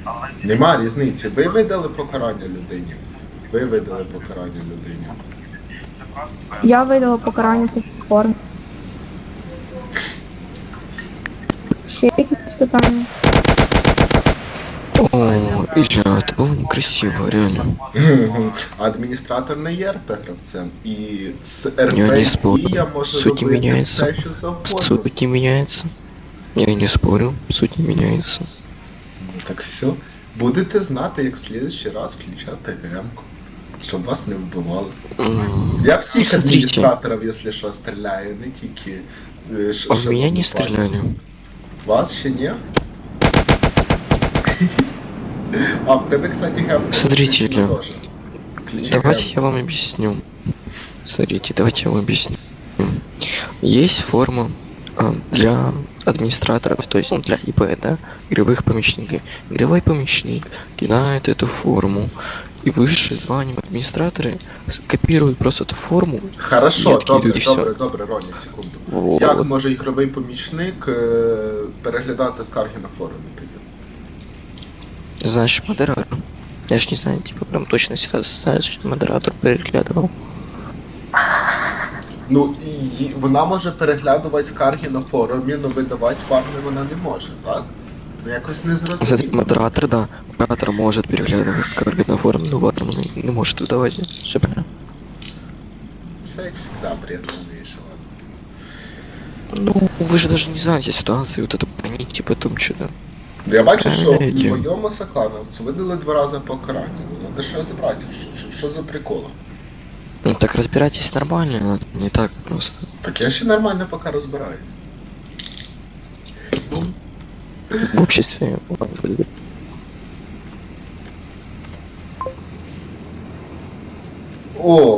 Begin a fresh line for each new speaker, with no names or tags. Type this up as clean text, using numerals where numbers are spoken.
Нема різниці. Ви видали покарання людині. Ви видали покарання людині.
Я видала покарання по формі. Ще якісь питання?
О, Илья, это было некрасиво, реально.
Адміністратор не є РП гравцем. І з
Я не
РП
спорю.
я можу
Суть не
робити
меняется.
все, що завгодно.
Суть не меняется. Я не спорю, суть не меняется.
Ну так все. Будете знати, як в следующий раз включати гемку. Щоб вас не вбивали. Я всіх
Смотрите.
адміністраторів, якщо що, стріляю, не тільки...
А в меня не стреляли.
Вас ще ні? А в тебе, кстати, гемка
Смотрите,
включена
Илья.
теж. Включи
Давайте
гемку.
я вам объясню. Смотрите, давайте я вам объясню. Есть форма для администраторов, то есть для ИП, да, игровых помощников. Игровой помощник кидает эту форму, и высшие званием администраторы копируют просто эту форму.
Хорошо,
Метки
добре,
йдуть, і все.
добре, Роні, секунду.
Вот.
Як може ігровий помічник переглядати скарги на форумі тоді?
Значит, модератор. Я ж не знаю, типа, прям точно всегда знаешь, что модератор переглядывал.
Ну, і вона може переглядувати скарги на форумі, але видавати фарми вона не може, так? Ну якось не
Кстати,
зрозуміло.
модератор, да. Модератор может переглядывать скарги на форум, но ладно, не может выдавать. Все понятно.
Все як завжди, бред весело.
Ну, вы же даже не знаете ситуацию, вот это поните потом что-то.
Я бачу, що
Ей,
моєму соклановцю видали 2 рази покарання. Ну, треба ж розібратися, що за приколи.
Ну так разбирайтесь нормально, но не так просто.
Так я ще нормально поки розбираюсь.
В обществе.
О,